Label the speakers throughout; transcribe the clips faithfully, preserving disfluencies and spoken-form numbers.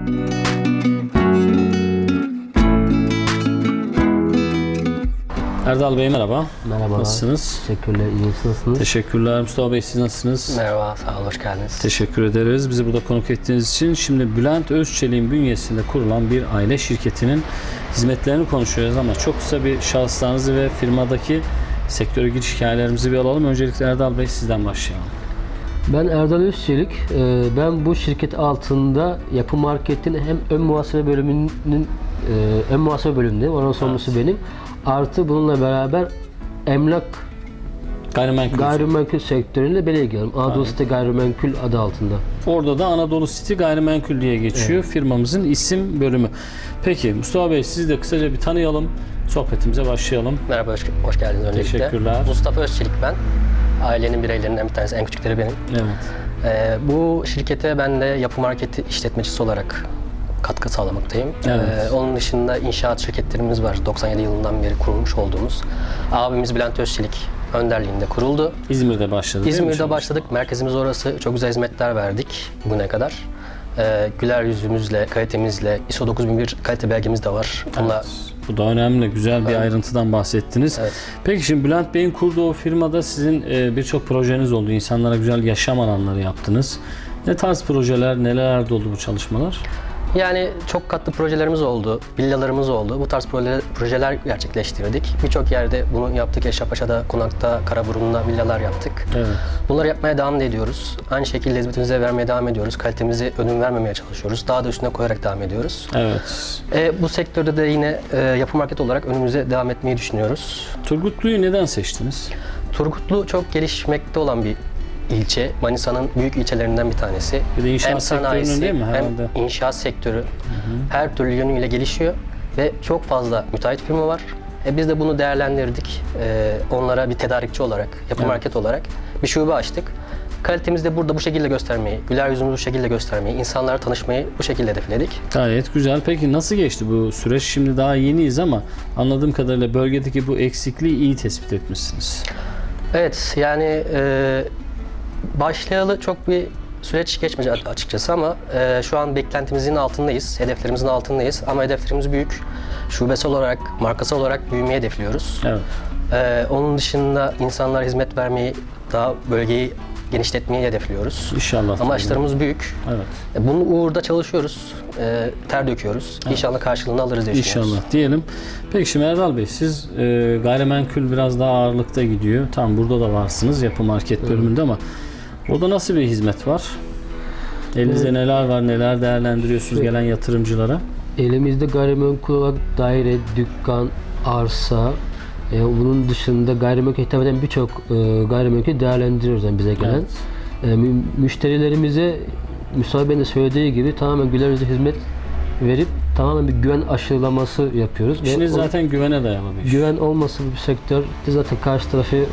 Speaker 1: Erdal Bey merhaba.
Speaker 2: Merhaba.
Speaker 1: Nasılsınız?
Speaker 2: Teşekkürler. İyi nasılsınız?
Speaker 1: Teşekkürler. Mustafa Bey siz nasılsınız?
Speaker 3: Merhaba, sağ olun, hoş geldiniz.
Speaker 1: Teşekkür ederiz. Bizi burada konuk ettiğiniz için. Şimdi Bülent Özçelik'in bünyesinde kurulan bir aile şirketinin hizmetlerini konuşuyoruz ama çok kısa bir şahıslarınızı ve firmadaki sektöre giriş hikayelerimizi bir alalım. Öncelikle Erdal Bey sizden başlayalım.
Speaker 2: Ben Erdal Özçelik. Ben bu şirket altında Yapı Market'in hem ön muhasebe bölümünün ön muhasebe bölümünde, onun sorumlusu evet. benim. Artı bununla beraber emlak
Speaker 1: Gayrimenkul,
Speaker 2: gayrimenkul sektörüyle ben ilgileniyorum. Anadolu City Gayrimenkul adı altında.
Speaker 1: Orada da Anadolu City Gayrimenkul diye geçiyor. Evet. Firmamızın isim bölümü. Peki Mustafa Bey sizi de kısaca bir tanıyalım. Sohbetimize başlayalım.
Speaker 3: Merhaba, hoş, hoş geldiniz öncelikle.
Speaker 1: Teşekkürler.
Speaker 3: Mustafa Özçelik ben. Ailenin bireylerinden bir tanesi, en küçükleri benim.
Speaker 1: Evet.
Speaker 3: Ee, bu şirkete ben de Yapı Marketi işletmecisi olarak katkı sağlamaktayım.
Speaker 1: Evet.
Speaker 3: Ee, onun dışında inşaat şirketlerimiz var. doksan yedi yılından beri kurulmuş olduğumuz. Abimiz Bülent Özçelik önderliğinde kuruldu.
Speaker 1: İzmir'de başladı.
Speaker 3: İzmir'de başladık. Merkezimiz orası. Çok güzel hizmetler verdik bugüne kadar. Ee, güler yüzümüzle, kalitemizle, I S O dokuz bin bir kalite belgemiz de var. Bunlar...
Speaker 1: Evet. Bu da önemli, güzel bir evet. ayrıntıdan bahsettiniz. Evet. Peki şimdi Bülent Bey'in kurduğu o firmada sizin birçok projeniz oldu. İnsanlara güzel yaşam alanları yaptınız. Ne tarz projeler, nelerde oldu bu çalışmalar?
Speaker 3: Yani çok katlı projelerimiz oldu, villalarımız oldu. Bu tarz projeler, projeler gerçekleştirdik. Birçok yerde bunu yaptık. Eşrefpaşa'da, Konak'ta, Karaburun'da villalar yaptık. Evet. Bunları yapmaya devam ediyoruz. Aynı şekilde hizmetimize vermeye devam ediyoruz. Kalitemizi ödün vermemeye çalışıyoruz. Daha da üstüne koyarak devam ediyoruz.
Speaker 1: Evet.
Speaker 3: E, bu sektörde de yine e, Yapı Market olarak önümüze devam etmeyi düşünüyoruz.
Speaker 1: Turgutlu'yu neden seçtiniz?
Speaker 3: Turgutlu çok gelişmekte olan bir ilçe. Manisa'nın büyük ilçelerinden bir tanesi.
Speaker 1: Bir de inşaat
Speaker 3: hem sanayisi,
Speaker 1: değil mi?
Speaker 3: hem inşaat sektörü hı hı. her türlü yönüyle gelişiyor ve çok fazla müteahhit firma var. E biz de bunu değerlendirdik. E, onlara bir tedarikçi olarak, Yapı evet. Market olarak bir şube açtık. Kalitemizi de burada bu şekilde göstermeyi, güler yüzümüzü bu şekilde göstermeyi, insanlarla tanışmayı bu şekilde hedefledik.
Speaker 1: Gayet güzel. Peki nasıl geçti bu süreç? Şimdi daha yeniyiz ama anladığım kadarıyla bölgedeki bu eksikliği iyi tespit etmişsiniz.
Speaker 3: Evet, yani e, başlayalı çok bir süreç geçmedi açıkçası ama e, şu an beklentimizin altındayız, hedeflerimizin altındayız ama hedeflerimiz büyük. Şubesi olarak, markası olarak büyümeyi hedefliyoruz. Evet. E, onun dışında insanlara hizmet vermeyi, daha bölgeyi genişletmeyi hedefliyoruz.
Speaker 1: İnşallah.
Speaker 3: Amaçlarımız tabii. büyük.
Speaker 1: Evet.
Speaker 3: E, bunun uğurda çalışıyoruz, e, ter döküyoruz. Evet. İnşallah karşılığını alırız diye düşünüyoruz.
Speaker 1: İnşallah diyelim. Peki şimdi Erdal Bey siz e, gayrimenkul biraz daha ağırlıkta gidiyor. Tam burada da varsınız Yapı Market bölümünde evet. ama orada nasıl bir hizmet var? Elinizde evet. neler var, neler değerlendiriyorsunuz gelen yatırımcılara? Elimizde
Speaker 2: gayrimenkul olarak daire, dükkan, arsa, e, bunun dışında gayrimenkul hitap eden birçok e, gayrimenkul değerlendiriyoruz yani bize gelen. Evet. E, mü, müşterilerimize Mustafa Bey'in de söylediği gibi tamamen güler yüzlü hizmet verip tamamen bir güven aşılaması yapıyoruz.
Speaker 1: İşiniz zaten güvene dayalı bir iş.
Speaker 2: Güven olmasa bir sektör zaten karşı tarafı e,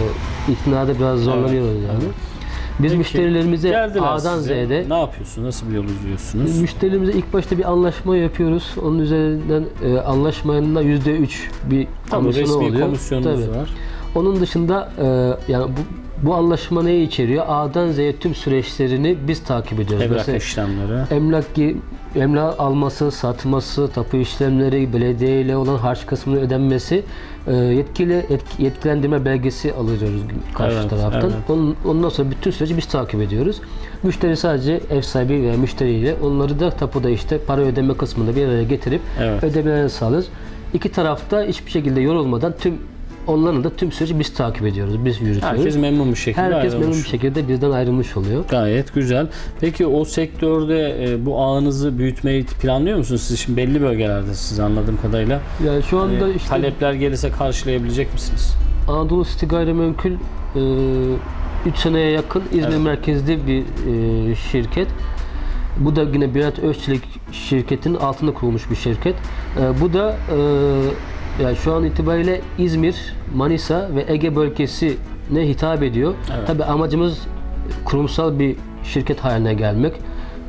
Speaker 2: iknada biraz zorlanıyoruz evet. yani. Biz Peki, müşterilerimize A'dan Z'de
Speaker 1: ne yapıyorsunuz? Nasıl bir yol izliyorsunuz?
Speaker 2: Müşterilerimize ilk başta bir anlaşma yapıyoruz. Onun üzerinden e, anlaşmanın da yüzde üç bir komisyonu oluyor.
Speaker 1: Resmi komisyonunuz Tabii. var.
Speaker 2: Onun dışında e, yani bu Bu anlaşma neyi içeriyor? A'dan Z'ye tüm süreçlerini biz takip ediyoruz.
Speaker 1: Emlak
Speaker 2: Mesela
Speaker 1: işlemleri.
Speaker 2: Emlak, emlak alması, satması, tapu işlemleri, belediye ile olan harç kısmının ödenmesi, yetkili etki, yetkilendirme belgesi alıyoruz karşı evet, taraftan. Evet. Onun, ondan sonra bütün süreci biz takip ediyoruz. Müşteri sadece ev sahibi veya müşteriyle onları da tapuda işte para ödeme kısmında bir araya getirip evet. ödemelerini sağlıyoruz. İki tarafta hiçbir şekilde yorulmadan tüm onların da tüm süreci biz takip ediyoruz, biz yürütüyoruz.
Speaker 1: Herkes memnun bir şekilde
Speaker 2: Herkes
Speaker 1: ayrılmış.
Speaker 2: memnun bir şekilde bizden ayrılmış oluyor.
Speaker 1: Gayet güzel. Peki o sektörde e, bu ağınızı büyütmeyi planlıyor musunuz? Siz şimdi belli bölgelerdesiniz anladığım kadarıyla.
Speaker 2: Yani şu anda
Speaker 1: yani
Speaker 2: işte
Speaker 1: talepler gelirse karşılayabilecek misiniz?
Speaker 2: Anadolu City Gayrimenkul üç e, seneye yakın İzmir evet. merkezli bir e, şirket. Bu da yine Bülent Özçelik şirketinin altında kurulmuş bir şirket. E, bu da e, yani şu an itibariyle İzmir, Manisa ve Ege bölgesine hitap ediyor. Evet. Tabii amacımız kurumsal bir şirket haline gelmek.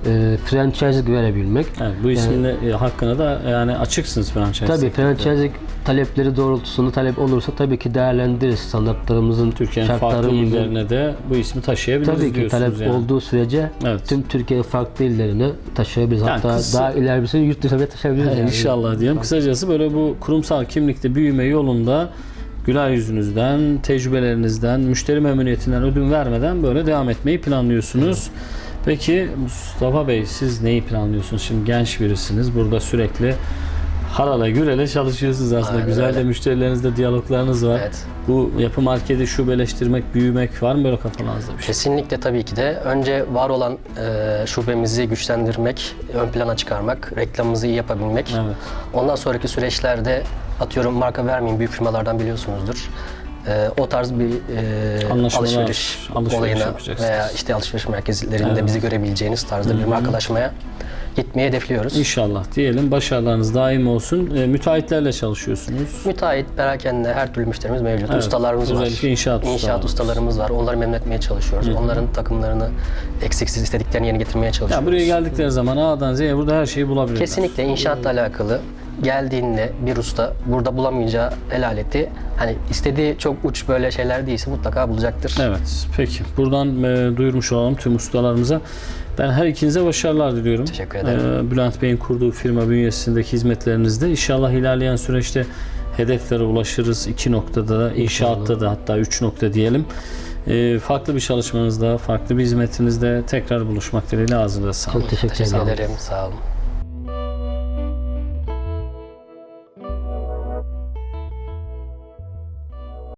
Speaker 2: e, franchise verebilmek.
Speaker 1: Evet, bu ismin de, e, hakkında da yani açıksınız franchise.
Speaker 2: Tabii
Speaker 1: sektörde.
Speaker 2: franchise talepleri doğrultusunda talep olursa tabii ki değerlendiririz. Standartlarımızın,
Speaker 1: Türkiye'nin farklı
Speaker 2: şartlarımızın.
Speaker 1: illerine de bu ismi taşıyabiliriz
Speaker 2: Tabii ki
Speaker 1: diyorsunuz
Speaker 2: talep
Speaker 1: yani.
Speaker 2: olduğu sürece
Speaker 1: Evet.
Speaker 2: tüm Türkiye farklı illerine taşıyabiliriz.
Speaker 1: Yani
Speaker 2: Hatta
Speaker 1: kısa-
Speaker 2: daha ilerisini yurt dışına bile taşıyabiliriz. yani.
Speaker 1: İnşallah diyelim. Kısacası böyle bu kurumsal kimlikte büyüme yolunda güler yüzünüzden, tecrübelerinizden, müşteri memnuniyetinden ödün vermeden böyle devam etmeyi planlıyorsunuz. Peki Mustafa Bey, siz neyi planlıyorsunuz? Şimdi genç birisiniz. Burada sürekli harala gürele çalışıyorsunuz aslında.
Speaker 3: Aynen
Speaker 1: Güzel de
Speaker 3: öyle.
Speaker 1: müşterilerinizle diyaloglarınız var.
Speaker 3: Evet.
Speaker 1: Bu yapı marketi şubeleştirmek, büyümek var mı böyle kafanızda bir şey?
Speaker 3: Kesinlikle tabii ki de. Önce var olan e, şubemizi güçlendirmek, ön plana çıkarmak, reklamımızı iyi yapabilmek.
Speaker 1: Evet.
Speaker 3: Ondan sonraki süreçlerde atıyorum marka vermeyeyim büyük firmalardan biliyorsunuzdur. E, o tarz bir e,
Speaker 1: Anlaşmalar,
Speaker 3: alışveriş,
Speaker 1: alışveriş
Speaker 3: olayına
Speaker 1: yapacaksınız.
Speaker 3: veya işte alışveriş merkezlerinde
Speaker 1: Evet.
Speaker 3: bizi görebileceğiniz tarzda bir markalaşmaya gitmeyi hedefliyoruz.
Speaker 1: İnşallah diyelim. Başarılarınız daim olsun. E, müteahhitlerle çalışıyorsunuz.
Speaker 3: Müteahhit, perakende her türlü müşterimiz mevcut.
Speaker 1: Evet,
Speaker 3: Ustalarımız var.
Speaker 1: özellikle inşaat ustalarımız.
Speaker 3: ustalarımız var. Onları memnun etmeye çalışıyoruz. Onların takımlarını eksiksiz istediklerini yerine getirmeye
Speaker 1: Ya
Speaker 3: çalışıyoruz.
Speaker 1: buraya geldikleri zaman A'dan Z'ye burada her şeyi bulabilirler.
Speaker 3: Kesinlikle inşaatla alakalı geldiğinde bir usta burada bulamayacağı el aleti hani istediği çok uç böyle şeyler değilse mutlaka bulacaktır.
Speaker 1: Evet. Peki. Buradan e, duyurmuş olalım tüm ustalarımıza. Ben her ikinize başarılar diliyorum.
Speaker 3: Teşekkür ederim.
Speaker 1: E, Bülent Bey'in kurduğu firma bünyesindeki hizmetlerinizde inşallah ilerleyen süreçte hedeflere ulaşırız. İki noktada da, inşaatta da hatta üç nokta diyelim. E, farklı bir çalışmanızda, farklı bir hizmetinizde tekrar buluşmak dileğiyle ağzınıza sağlık.
Speaker 2: Çok teşekkür
Speaker 3: Teşekkür
Speaker 2: ederim.
Speaker 3: ederim. Sağ olun.